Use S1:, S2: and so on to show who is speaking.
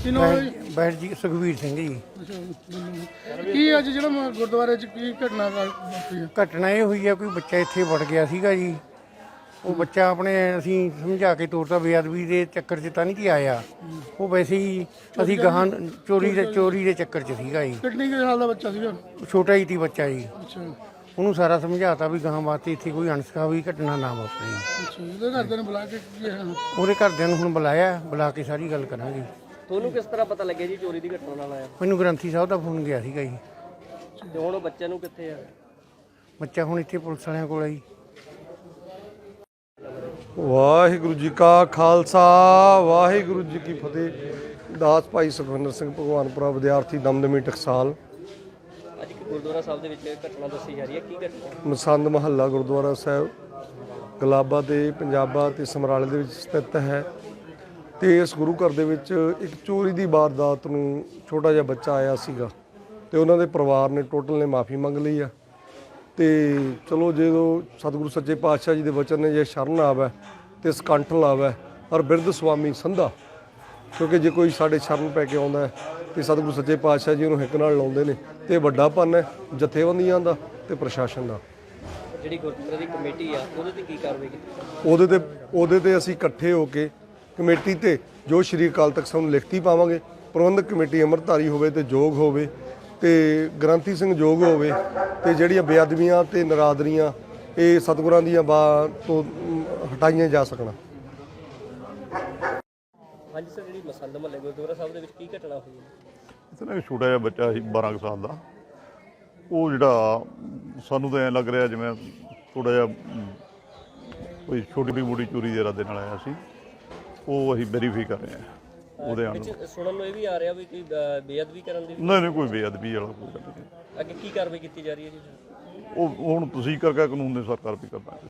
S1: ਕੀ ਨਾਮ ਹੈ ਜੀ?
S2: ਬੈਠ ਜੀ ਸੁਖਵੀਰ ਸਿੰਘ ਜੀ।
S1: ਕੀ ਅੱਜ ਜਿਹੜਾ ਗੁਰਦੁਆਰੇ 'ਚ ਕੀ ਘਟਨਾ ਵਾਪਰੀ ਹੈ?
S2: ਘਟਨਾ ਇਹ ਹੋਈ ਆ, ਕੋਈ ਬੱਚਾ ਇੱਥੇ ਵੜ ਗਿਆ ਸੀਗਾ ਜੀ। ਉਹ ਬੱਚਾ ਆਪਣੇ ਅਸੀਂ ਸਮਝਾ ਕੇ ਤੋਰਤਾ, ਬੇਅਦਬੀ ਦੇ ਚੱਕਰ 'ਚ ਤਾਂ ਨਹੀਂ ਜੀ ਆਇਆ। ਉਹ ਵੈਸੇ ਹੀ ਅਸੀਂ ਗਾਹਾਂ ਚੋਰੀ ਦੇ ਚੱਕਰ 'ਚ ਸੀਗਾ ਜੀ।
S1: ਕਿੰਨੀ ਕੁ ਸਾਲ ਦਾ ਬੱਚਾ ਸੀਗਾ?
S2: ਛੋਟਾ ਹੀ ਸੀ ਬੱਚਾ ਜੀ।
S1: ਅੱਛਾ
S2: ਉਹਨੂੰ ਸਾਰਾ ਸਮਝਾਤਾ ਵੀ ਗਾਹਾਂ ਵਾਸਤੇ ਇੱਥੇ ਕੋਈ ਅਣਸਖਾਵੀ ਘਟਨਾ ਨਾ ਵਾਪਰੇ।
S1: ਅੱਛਾ, ਉਹਦੇ ਘਰਦਿਆਂ ਨੇ ਬੁਲਾ ਕੇ ਕੀ ਹੈ?
S2: ਉਹਦੇ ਘਰਦਿਆਂ ਨੂੰ ਹੁਣ ਬੁਲਾ ਕੇ ਸਾਰੀ ਗੱਲ ਕਰਾਂਗੇ।
S3: ਤੁਹਾਨੂੰ ਕਿਸ ਤਰ੍ਹਾਂ ਪਤਾ ਲੱਗਿਆ ਜੀ ਚੋਰੀ ਦੀ ਘਟਨਾ ਨਾਲ ਆਇਆ?
S2: ਮੈਨੂੰ ਗ੍ਰੰਥੀ ਸਾਹਿਬ ਦਾ ਫੋਨ ਗਿਆ ਸੀਗਾ ਜੀ।
S3: ਤੇ ਹੁਣ ਉਹ ਬੱਚੇ ਨੂੰ ਕਿੱਥੇ ਆ?
S2: ਬੱਚਾ ਹੁਣ ਇੱਥੇ ਪੁਲਿਸ ਵਾਲਿਆਂ ਕੋਲ ਆ ਜੀ।
S4: ਵਾਹਿਗੁਰੂ ਜੀ ਕਾ ਖਾਲਸਾ ਵਾਹਿਗੁਰੂ ਜੀ ਕੀ ਫਤਿਹ। ਦਾਸ ਭਾਈ ਸੁਖਵਿੰਦਰ ਸਿੰਘ ਭਗਵਾਨਪੁਰਾ ਵਿਦਿਆਰਥੀ ਦਮਦਮੀ ਟਕਸਾਲ।
S3: ਅੱਜ ਇੱਕ ਗੁਰਦੁਆਰਾ ਸਾਹਿਬ ਦੇ ਵਿੱਚ ਘਟਨਾ ਦੱਸੀ ਜਾ ਰਹੀ ਹੈ, ਕੀ ਘਟਨਾ?
S4: ਮਸੰਦ ਮਹੱਲਾ ਗੁਰਦੁਆਰਾ ਸਾਹਿਬ ਗਲਾਬਾ ਤੇ ਪੰਜਾਬਾ ਤੇ ਸਮਰਾਲੇ ਦੇ ਵਿੱਚ ਸਥਿਤ ਹੈ। ਤੇ ਇਸ ਗੁਰੂ ਘਰ ਦੇ ਵਿੱਚ ਇੱਕ ਚੋਰੀ ਦੀ ਵਾਰਦਾਤ ਨੂੰ ਛੋਟਾ ਜਿਹਾ ਬੱਚਾ ਆਇਆ ਸੀਗਾ ਤੇ ਉਹਨਾਂ ਦੇ ਪਰਿਵਾਰ ਨੇ ਟੋਟਲ ਨੇ ਮਾਫੀ ਮੰਗ ਲਈ ਆ। ਤੇ ਚਲੋ ਜਦੋਂ ਸਤਿਗੁਰੂ ਸੱਚੇ ਪਾਤਸ਼ਾਹ ਜੀ ਦੇ ਵਚਨ ਨੇ ਜੇ ਸ਼ਰਨ ਆਵੈ ਤੇ ਸਕੰਠ ਲਾਵੈ ਔਰ ਬਿਰਧ ਸੁਆਮੀ ਸੰਧਾ, ਕਿਉਂਕਿ ਜੇ ਕੋਈ ਸਾਡੇ ਸ਼ਰਨ ਪੈ ਕੇ ਆਉਂਦਾ ਤੇ ਸਤਿਗੁਰੂ ਸੱਚੇ ਪਾਤਸ਼ਾਹ ਜੀ ਉਹਨੂੰ ਹਿੱਕ ਨਾਲ ਲਾਉਂਦੇ ਨੇ ਤੇ ਵੱਡਾ ਪੰਨ ਹੈ ਜਥੇਬੰਦੀਆਂ ਦਾ ਤੇ ਪ੍ਰਸ਼ਾਸਨ ਦਾ।
S3: ਜਿਹੜੀ ਗੁਰਦੁਆਰੇ ਦੀ ਕਮੇਟੀ ਆ ਉਹਦੇ ਤੇ ਕੀ ਕਾਰਵਾਈ ਕੀਤੀ?
S4: ਉਹਦੇ ਤੇ ਅਸੀਂ ਇਕੱਠੇ ਹੋ ਕੇ ਕਮੇਟੀ ਤੇ ਜੋ ਸ਼੍ਰੀ ਅਕਾਲ ਤਖਤ ਸਾਹਿਬ ਨੂੰ ਲਿਖਤੀ ਪਾਵਾਂਗੇ। ਪ੍ਰਬੰਧਕ ਕਮੇਟੀ ਅੰਮ੍ਰਿਤਧਾਰੀ ਹੋਵੇ ਤੇ ਯੋਗ ਹੋਵੇ ਤੇ ਗ੍ਰੰਥੀ ਸਿੰਘ ਯੋਗ ਹੋਵੇ ਤੇ ਜਿਹੜੀਆਂ ਬੇਅਦਬੀਆਂ ਤੇ ਨਰਾਦਰੀਆਂ ਇਹ ਸਤਿਗੁਰਾਂ ਦੀਆਂ ਤੋਂ ਹਟਾਈਆਂ ਜਾ ਸਕਣ।
S3: ਹਾਂਜੀ ਸਰ, ਜਿਹੜੀ ਮਸੰਦ ਮਹੱਲੇ ਗੁਰਦੁਆਰਾ ਸਾਹਿਬ ਦੇ ਵਿੱਚ ਕੀ ਘਟਨਾ ਹੋਈ ਹੈ?
S5: ਇੱਥੇ ਨਾ ਇੱਕ ਛੋਟਾ ਜਿਹਾ ਬੱਚਾ ਸੀ 12 ਸਾਲ ਦਾ। ਉਹ ਜਿਹੜਾ ਸਾਨੂੰ ਤਾਂ ਐਂ ਲੱਗ ਰਿਹਾ ਜਿਵੇਂ ਥੋੜ੍ਹਾ ਜਿਹਾ ਕੋਈ ਛੋਟੀ ਮੋਟੀ ਚੋਰੀ ਦੇ ਇਰਾਦੇ ਨਾਲ ਆਇਆ ਸੀ। ਉਹ ਅਸੀਂ ਵੈਰੀਫਾਈ ਕਰ ਰਹੇ ਹਾਂ ਉਹਦੇ ਨਾਲ।
S3: ਵਿੱਚ ਸੁਣਨ ਨੂੰ ਇਹ ਵੀ ਆ ਰਿਹਾ ਵੀ ਕੋਈ ਬੇਅਦਬੀ ਕਰਨ ਦੀ?
S5: ਨਹੀਂ ਕੋਈ ਬੇਅਦਬੀ ਵਾਲਾ ਕੋਈ ਗੱਲ ਨਹੀਂ।
S3: ਅੱਗੇ ਕੀ ਕਾਰਵਾਈ ਕੀਤੀ ਜਾ ਰਹੀ ਹੈ ਜੀ?
S5: ਉਹ ਹੁਣ ਤੁਸੀਂ ਕਰਕੇ ਕਾਨੂੰਨ ਦੇ ਸਰਕਾਰ ਵੀ ਕਰਦਾ।